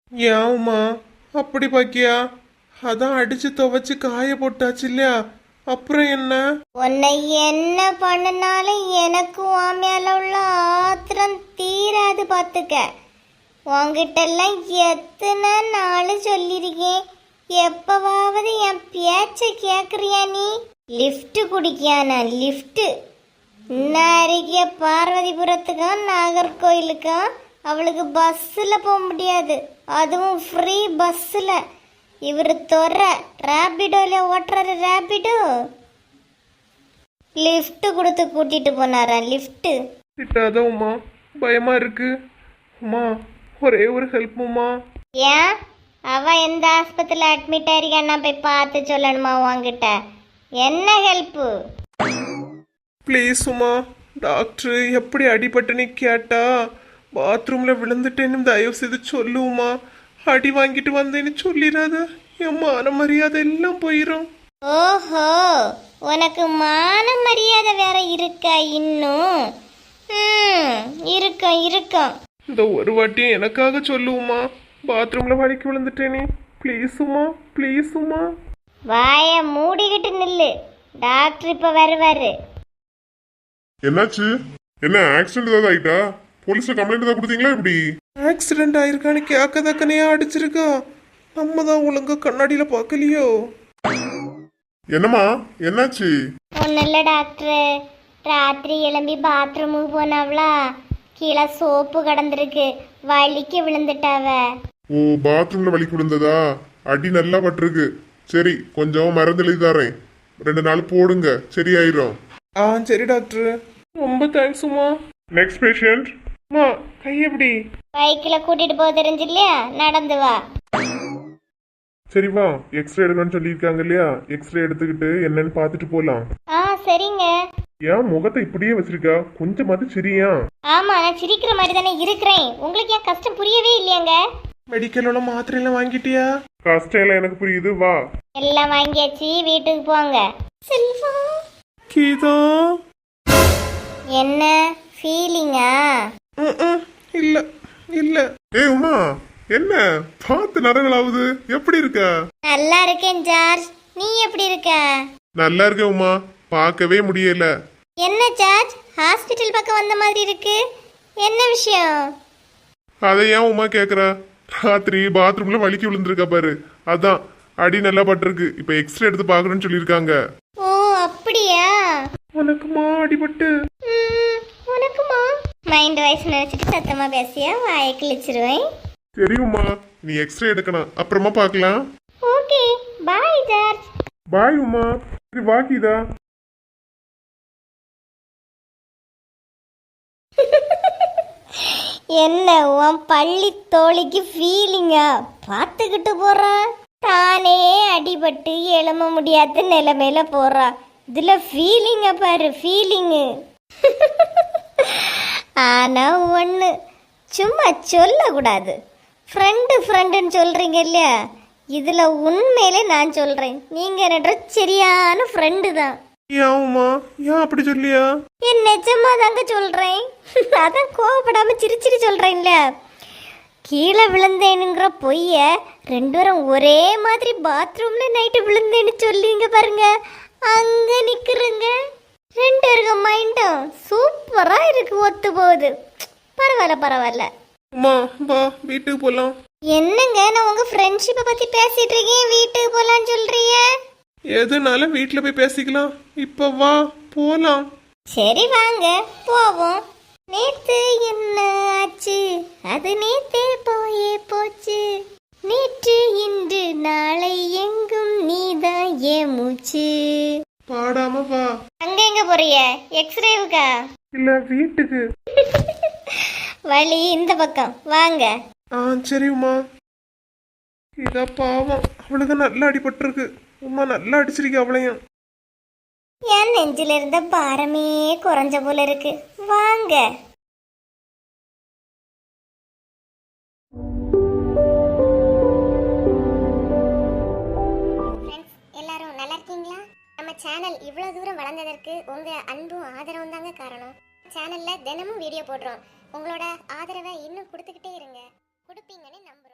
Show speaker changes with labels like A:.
A: ஏம்மா அப்படி பாக்கியா? அதான் அடிச்சு துவைச்சு காய போட்டாச்சு இல்லையா, அப்புறம் என்ன?
B: உன்னை என்ன பண்ணனாலும் எனக்கு உன் மேல உள்ள ஆத்திரம் தீராது பாத்துக்க. உன்கிட்ட எல்லாம் எத்தனை நாள் சொல்லியிருக்கேன், எப்பவாவது என் பேச்ச கேக்குறியா நீ? லிஃப்ட் குடிக்கியானா லிஃப்ட்? இன்ன பார்வதிபுரத்துக்கும் நாகர்கோயிலுக்கும் அவளுக்கு பஸ்ஸில் போக முடியாது, அதுவும் ஃப்ரீ பஸ்ஸில். இவர் தொற ரேபிடோல ஓட்டுறாரு, ரேபிடோ லிஃப்ட் கொடுத்து கூட்டிட்டு போனாரா, லிஃப்ட்.
A: திட்டாதான் உமா, பயமா இருக்கு உமா, ஒரே ஒரு ஹெல்ப் உமா.
B: ஏன் அவ எந்த ஆஸ்பத்திரியில் அட்மிட் ஆயிருக்கான்னா போய் பார்த்து சொல்லணுமா உன்கிட்ட? என்ன ஹெல்ப்பு?
A: ப்ளீஸ் உமா, டாக்டர் எப்படி அடிபட்டுன்னு கேட்டா பாத்ரூம்ல விழுந்துட்டேன்னு தயவு செய்து சொல்லுமா. அடி வாங்கிட்டு வந்தேன்னு சொல்லிடாத, என் மான மரியாதை எல்லாம் போயிடும்.
B: ஓஹோ, உனக்கு மான மரியாதை வேற இருக்கா இன்னும்? இருக்கும் இருக்கும்.
A: இந்த ஒரு வாட்டியும் எனக்காக சொல்லுமா, பாத்ரூம்ல வலிக்கு விழுந்துட்டேனே, ப்ளீஸ் உமா, ப்ளீஸ் உமா.
B: வாய மூடிக்கிட்டு நில்லு, டாக்டர் இப்ப வருவாரு.
C: என்னாச்சு? என்ன ஆக்சிடென்ட் ஏதாவது ஆயிட்டா? போலீஸ்ல கம்ப்ளைண்ட் ஏதாவது கொடுத்தீங்களா? எப்படி
A: ஆக்சிடென்ட் ஆயிருக்கான்னு கேட்க தக்கனையா அடிச்சிருக்கா? நம்ம தான் ஒழுங்கா கண்ணாடியில பார்க்கலையோ?
C: என்னம்மா என்னாச்சு?
B: ஒன்னும் இல்ல டாக்டர், ராத்திரி எழும்பி பாத்ரூமுக்கு போனவளா, கீழே சோப்பு கடந்திருக்கு, வலிக்கு விழுந்துட்டாவ.
C: ஓ, பாத்ரூம்ல வலிக்கு விழுந்ததா? அடி நல்லா பட்டிருக்கு. சரி, கொஞ்சம் மருந்து எழுதி தரேன், 2 நாள் போடுங்க, சரியாயிரும்.
A: சரி டாக்டர், ரொம்ப தேங்க்ஸ் உமா.
C: Next patient.
A: அம்மா கை எப்படி?
B: பைக்கில் கூட்டிட்டு போக தெரிஞ்சு இல்லையா, நடந்து வா.
C: சரி வா, எக்ஸ்ரே எடுக்கணும்னு சொல்லியிருக்காங்க இல்லையா, எக்ஸ்ரே எடுத்துக்கிட்டு என்னன்னு பார்த்துட்டு போலாம்.
B: சரிங்க.
C: ஏன் முகத்தை இப்படியே வச்சிருக்கா? கொஞ்சமாவது சரியா?
B: ஆமா, நான் சிரிக்கிற மாதிரி தானே இருக்கிறேன், உங்களுக்கு ஏன் கஷ்டம் புரியவே இல்லையாங்க?
A: மெடிக்கலோட மாத்திரை எல்லாம் வாங்கிட்டியா?
C: கஷ்டம் எல்லாம் எனக்கு புரியுது, வா.
B: எல்லாம் வாங்கியாச்சு, வீட்டுக்கு போங்க. செல்வா,
A: கீதா.
B: என்ன ஃபீலிங்கா?
A: இல்ல இல்ல.
C: ஏய் உமா, என்ன பார்த்து நரங்களாவது, எப்படி இருக்க?
B: நல்லா இருக்கேன் ஜார்ஜ், நீ எப்படி இருக்க?
C: நல்லா இருக்க உமா, பார்க்கவே முடியல.
B: என்ன ஜார்ஜ், ஹாஸ்பிட்டல் பக்கம் வந்த மாதிரி இருக்கு, என்ன விஷயம்?
C: அதை ஏன் உமா கேக்குற? ராத்திரி பாத்ரூம்ல வலிக்கு விழுந்திருக்கா பாரு, அதான் அடி நல்லா பட்டிருக்கு. இப்ப எக்ஸ்ரே எடுத்து பாக்கணும்னு சொல்லியிருக்காங்க.
B: ஓ அப்படியா?
A: உனக்குமா அடிபட்டு?
B: உனக்குமா? மைண்ட் வாய்ஸ் நினைச்சிட்டு சத்தமா பேசியா வாயை கிழிச்சிருவேன்.
C: சரி உமா, நீ எக்ஸ்ரே எடுக்கணும், அப்புறமா பார்க்கலாம்.
B: Okay, bye George.
C: Bye Uma. சரி வாக்கிதா.
B: என்ன உன் பள்ளி தோழிக்கு ஃபீலிங்கா? பார்த்துக்கிட்டு போறா, தானே அடிபட்டு எழும முடியாத நிலைமையில போறா, இதுல ஃபீலிங்க பாரு, ஃபீலிங்கு. ஆனா ஒன்று சும்மா சொல்லக்கூடாது, ஃப்ரெண்டுன்னு சொல்றீங்க இல்லையா, இதுல உண்மையிலே நான் சொல்றேன், நீங்க என்னோட சரியான ஃப்ரெண்டு தான்.
A: ஏன் உமா, ஏன் அப்படி சொல்லியா?
B: என் நிஜமா தாங்க சொல்றேன், அதான் கோவப்படாம சிரிச்சிட்டு சொல்றேன்ல. கீழே விழுந்தேனுங்கிற பொய்ய 2 பேரும் ஒரே மாதிரி பாத்ரூம்ல நைட்டு விழுந்தேன்னு சொல்லிங்க பாருங்க, அங்க நிக்கிறங்க. 2 பேருக்கு மைண்டும் சூப்பரா இருக்கு, ஒத்து போகுது. பரவாயில்ல.
A: உமா வா, வீட்டுக்கு போலாம்.
B: என்னங்க, நான் உங்க ஃப்ரெண்ட்ஷிப்பை பத்தி பேசிட்டு இருக்கேன், வீட்டுக்கு போலான்னு சொல்றீங்க?
A: எதுனாலும் வீட்டுல போய் பேசிக்கலாம், இப்ப வா போலாம்.
B: சரி வாங்க போவோம். நேத்து என்ன ஆச்சு, அது நேத்தே போயே போச்சு, நேற்று இன்று நாளை எங்கும் நீதான் ஏன் மூச்சு.
A: பாடாம வா.
B: அங்க எங்க போறிய? எக்ஸ்ரேவுக்கா?
A: இல்ல வீட்டுக்கு.
B: வழி இந்த பக்கம் வாங்க.
A: சரி உமா. இதா பாவம், அவளுக்கு நல்லா அடிபட்டிருக்கு. உமா நல்லா அடிச்சிருக்க அவளையும்.
B: என் நெஞ்சில இருந்த பாரமே குறைஞ்ச போல இருக்கு, வாங்க. எல்லாரும் நல்லா இருக்கீங்களா? நம்ம சேனல் இவ்வளவு தூரம் வளர்ந்ததற்கு உங்க அன்பும் ஆதரவும் தாங்க காரணம். சேனல்ல தினமும் வீடியோ போடுறோம், உங்களோட ஆதரவை இன்னும் கொடுத்துக்கிட்டே இருங்க, கொடுப்பீங்கன்னு நம்ப